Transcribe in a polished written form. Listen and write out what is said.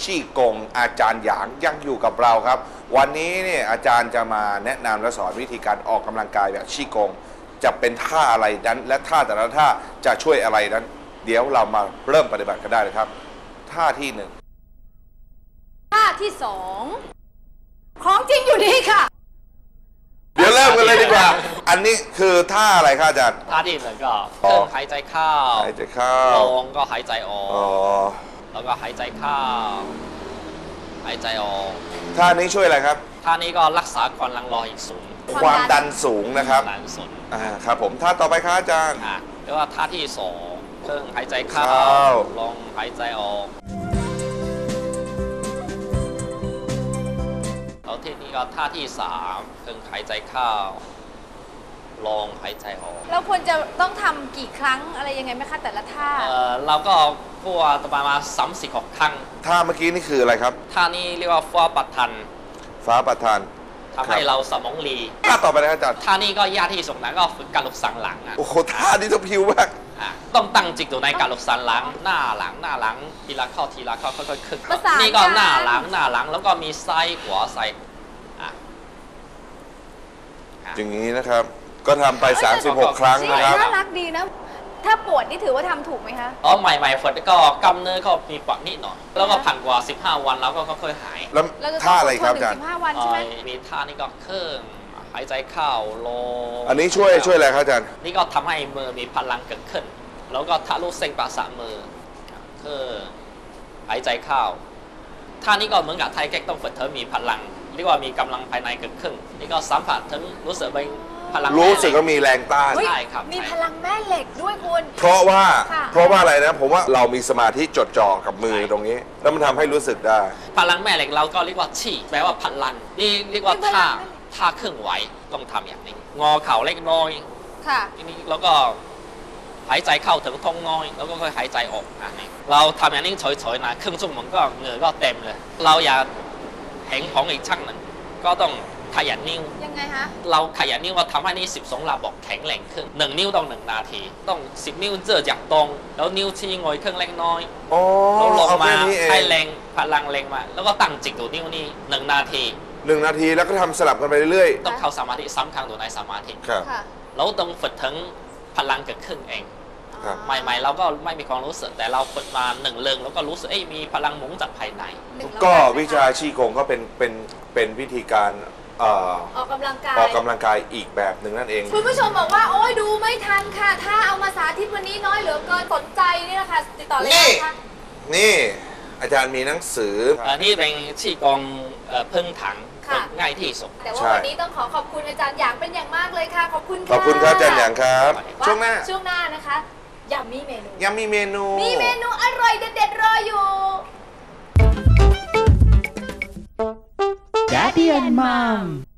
ชี่กงอาจารย์หยางยังอยู่กับเราครับวันนี้เนี่ยอาจารย์จะมาแนะนำและสอนวิธีการออกกำลังกายแบบชี่กงจะเป็นท่าอะไรนั้นและท่าแต่ละท่าจะช่วยอะไรนั้นเดี๋ยวเรามาเริ่มปฏิบัติกันได้เลยครับท่าที่หนึ่งท่าที่สองของจริงอยู่นี่ค่ะเดี๋ยวเริ่มกันเลยดีกว่าอันนี้คือท่าอะไรครับอาจารย์ท่าที่หนึ่งก็เครื่องหายใจเข้าหายใจเข้าลงก็หายใจออกแล้วก็หายใจเข้าหายใจออกท่านี้ช่วยอะไรครับท่านี้ก็รักษาความดันโลหิตสูงความดันสูงนะครับดันสูงครับผมท่าต่อไปครับอาจารย์แล้วก็ท่าที่สองเครื่องหายใจเข้าลงหายใจออกแล้วที่นี้ก็ท่าที่สามเครื่องหายใจเข้าลงหายใจออกเราควรจะต้องทำกี่ครั้งอะไรยังไงไหมคะแต่ละท่าเราก็พูดประมาณ36 ครั้งท่าเมื่อกี้นี่คืออะไรครับท่านี้เรียกว่าฟ้าประทันทำให้เราสมองรีท่าต่อไปนะครับอาจารย์ท่านี้ก็ยากที่สุดนะก็ฝึกการลุกสันหลังโอ้โหท่านี้ต้องพิวมากต้องตั้งจิตอยู่ในการลุกสันหลังหน้าหลังทีละเข้าค่อยๆขึ้นนี่ก็หน้าหลังแล้วก็มีซ้ายขวาซ้ายอย่างนี้นะครับก็ทำไป36 ครั้งนะครับน่ารักดีนะถ้าปวดนี่ถือว่าทำถูกไหมคะใหม่ๆฝึกก็กำเนื้อก็มีปวดนิดหน่อยแล้วก็ผ่านกว่า15 วันแล้วก็ค่อยๆหายแล้วท่าอะไรครับอาจารย์ 15 วันใช่ไหมมีท่านี่ก็เครื่องหายใจเข้าลงอันนี้ช่วยอะไรครับอาจารย์นี่ก็ทำให้มือมีพลังเกิดขึ้นแล้วก็ทะลุเส้นประสาทมือเครื่องหายใจเข้าท่านี้ก็เหมือนกับไทยแก๊กต้องฝึกเธอมีพลังเรียกว่ามีกำลังภายในเกิดขึ้นนี่ก็สัมผัสถึงรู้สึกเป็นรู้สึกว่ามีแรงต้านใช่ครับมีพลังแม่เหล็กด้วยคุณเพราะว่าอะไรนะผมว่าเรามีสมาธิจดจ่อกับมือตรงนี้แล้วมันทำให้รู้สึกได้พลังแม่เหล็กเราก็เรียกว่าชี่แปลว่าพลังนี่เรียกว่าท่าเครื่องไหวต้องทำอย่างนี้งอเข่าเล็กน้อยค่ะทีนี้แล้วก็หายใจเข้าถึงท้องน้อยแล้วก็ค่อยหายใจออกอันนี้เราทำอย่างนี้เฉยๆนะครึ่งชั่วโมงก็เหงื่อก็เต็มเลยเราอยากเห็นของอีกช่างหนึ่งก็ต้องขยันนิ้วยังไงคะเราขยันนิ้วว่าทำให้นี่12 ระบบแข็งแรงขึ้น1 นิ้วต้อง1 นาทีต้อง10 นิ้วเจอจากตรงแล้วนิ้วชี้งอยเครื่องเล็กน้อยแล้วลงมาให้แรงพลังแรงมาแล้วก็ตั้งจิตอยู่นิ้วนี้1 นาที 1 นาทีแล้วก็ทำสลับกันไปเรื่อยๆต้องเข้าสมาธิซ้ำครั้งอยู่ในสมาธิแล้วต้องฝึกถึงพลังเกิดขึ้นเองใหม่ๆเราก็ไม่มีความรู้สึกแต่เราฝึกมา1 เรื่องแล้วก็รู้สึกมีพลังหมุนจากภายในก็วิชาชี่กงก็เป็นวิธีการออกกำลังกายอีกแบบหนึ่งนั่นเองคุณผู้ชมบอกว่าโอ้ยดูไม่ทันค่ะถ้าเอามาสาธิตวันนี้น้อยเหลือเกินสนใจนี่นะคะติดต่อเลยนะคะนี่อาจารย์มีหนังสือนี่เป็นชี่กงพึ่งถังง่ายที่สุดแต่ว่าวันนี้ต้องขอบคุณอาจารย์หยางเป็นอย่างมากเลยค่ะขอบคุณครับอาจารย์หยางครับช่วงหน้านะคะยังมีเมนูมีเมนูอร่อยเด็ดๆรออยู่ Daddy and Mom